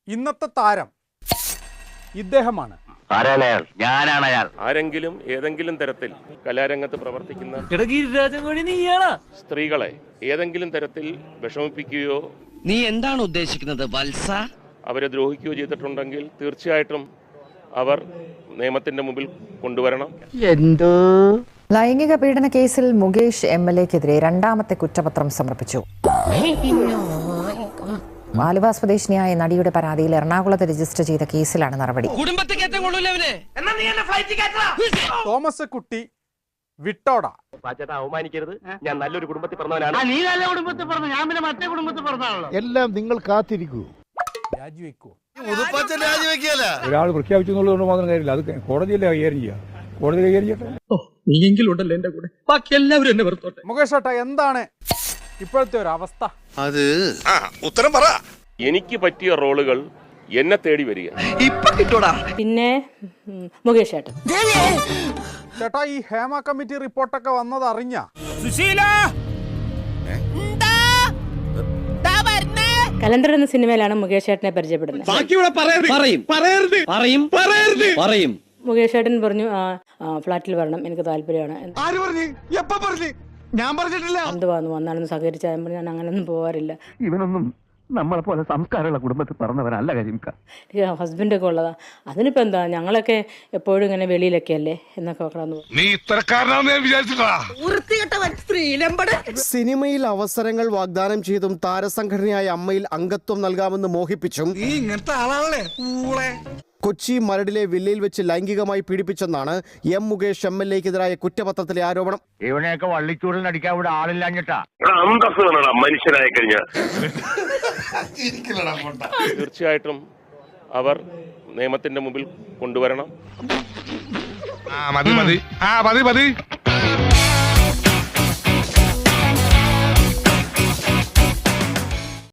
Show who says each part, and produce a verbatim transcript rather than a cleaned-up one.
Speaker 1: ഇന്നത്തെ താരം ഇദ്ദേഹമാണ്.
Speaker 2: ആരെങ്കിലും ഏതെങ്കിലും തരത്തിൽ കലാരംഗത്ത് പ്രവർത്തിക്കുന്ന സ്ത്രീകളെ ഏതെങ്കിലും തരത്തിൽ വിഷമിപ്പിക്കുകയോ
Speaker 3: നീ എന്താണ് ഉദ്ദേശിക്കുന്നത് വത്സ?
Speaker 2: അവരെ ദ്രോഹിക്കുകയോ ചെയ്തിട്ടുണ്ടെങ്കിൽ തീർച്ചയായിട്ടും അവർ നിയമത്തിന്റെ മുമ്പിൽ കൊണ്ടുവരണം.
Speaker 4: എന്തോ
Speaker 5: ലൈംഗിക പീഡന കേസിൽ മുകേഷ് എം എൽ എക്കെതിരെ രണ്ടാമത്തെ കുറ്റപത്രം സമർപ്പിച്ചു. ആലുവ സ്വദേശിനിയായ നടിയുടെ പരാതിയിൽ എറണാകുളത്ത് രജിസ്റ്റർ ചെയ്ത കേസിലാണ് നടപടി.
Speaker 1: തോമസ് കുട്ടി വിട്ടോട.
Speaker 6: അവമാനിക്കരുത്, ഞാൻ നല്ലൊരു കുടുംബത്തിൽ പറഞ്ഞവനാണ്.
Speaker 4: നീ നല്ല കുടുംബത്തിൽ പറഞ്ഞു, ഞാൻ പിന്നെ മറ്റേ കുടുംബത്തിൽ പറഞ്ഞാണല്ലോ.
Speaker 7: എല്ലാം നിങ്ങൾ കാത്തിരിക്കൂ.
Speaker 1: രാജിവെക്കൂ.
Speaker 8: ഒരാൾ പ്രഖ്യാപിച്ചു എന്നുള്ളതുകൊണ്ട് മാത്രം കാര്യമില്ല, അത് കോടതിയല്ലേ കൈകാര്യം ചെയ്യുക. കോടതി കൈകാര്യം ചെയ്യട്ടെ.
Speaker 4: നീയെങ്കിലും ഉണ്ടല്ലോ എന്റെ കൂടെ, ബാക്കി എല്ലാവരും എന്നെ വെറുത്തോട്ടെ.
Speaker 1: മുകേഷ് ഏട്ടാ, എന്താണ് ഇപ്പോഴത്തെ ഒരു അവസ്ഥ?
Speaker 9: അത് ഉത്തരം പറ.
Speaker 2: എനിക്ക് പറ്റിയ റോളുകൾ എന്നെ തേടി വരിക.
Speaker 3: ഇപ്പൊ കിട്ടൂടാ.
Speaker 10: പിന്നെ മുകേഷ് ഏട്ടൻ
Speaker 1: ചേട്ടാ, ഈ ഹേമ കമ്മിറ്റി റിപ്പോർട്ടൊക്കെ വന്നത് അറിഞ്ഞ?
Speaker 10: കലണ്ടർ എന്ന സിനിമയിലാണ് മുകേഷ് ഏട്ടനെ പരിചയപ്പെടുന്നത്. മുകേഷ് ഏട്ടൻ പറഞ്ഞു ഫ്ലാറ്റിൽ വരണം, എനിക്ക് താല്പര്യമാണ്. എന്തുവാന്ന് വന്നാണെന്ന് സഹകരിച്ചാൽ പറഞ്ഞു, ഞാൻ അങ്ങനെയൊന്നും പോകാറില്ല.
Speaker 6: ഇവനൊന്നും നമ്മളെ പോലെ സംസ്കാരമുള്ള കുടുംബത്തിൽ പറഞ്ഞവനല്ല കാര്യം.
Speaker 10: എനിക്ക് ഹസ്ബൻഡൊക്കെ ഉള്ളതാ. അതിനിപ്പോ എന്താ, ഞങ്ങളൊക്കെ എപ്പോഴും ഇങ്ങനെ വെളിയിലൊക്കെ അല്ലേ എന്നൊക്കെ കടന്നു.
Speaker 11: സിനിമയിൽ അവസരങ്ങൾ വാഗ്ദാനം ചെയ്തും താരസംഘടനയായ അമ്മയിൽ അംഗത്വം നൽകാമെന്ന് മോഹിപ്പിച്ചും കൊച്ചി മരടിലെ വില്ലയിൽ വെച്ച് ലൈംഗികമായി പീഡിപ്പിച്ചെന്നാണ് എം മുകേഷ് എം എൽ എക്കെതിരായ കുറ്റപത്രത്തിലെ ആരോപണം.
Speaker 6: ഇവനെയൊക്കെ വള്ളിച്ചൂടിൽ അടിക്കാൻ ഇവിടെ ആളില്ലാഞ്ഞിട്ടാ.
Speaker 2: മനുഷ്യരായി കഴിഞ്ഞാൽ തീർച്ചയായിട്ടും അവർ നിയമത്തിന്റെ മുമ്പിൽ കൊണ്ടുവരണം.
Speaker 9: മതി മതി ആ മതി മതി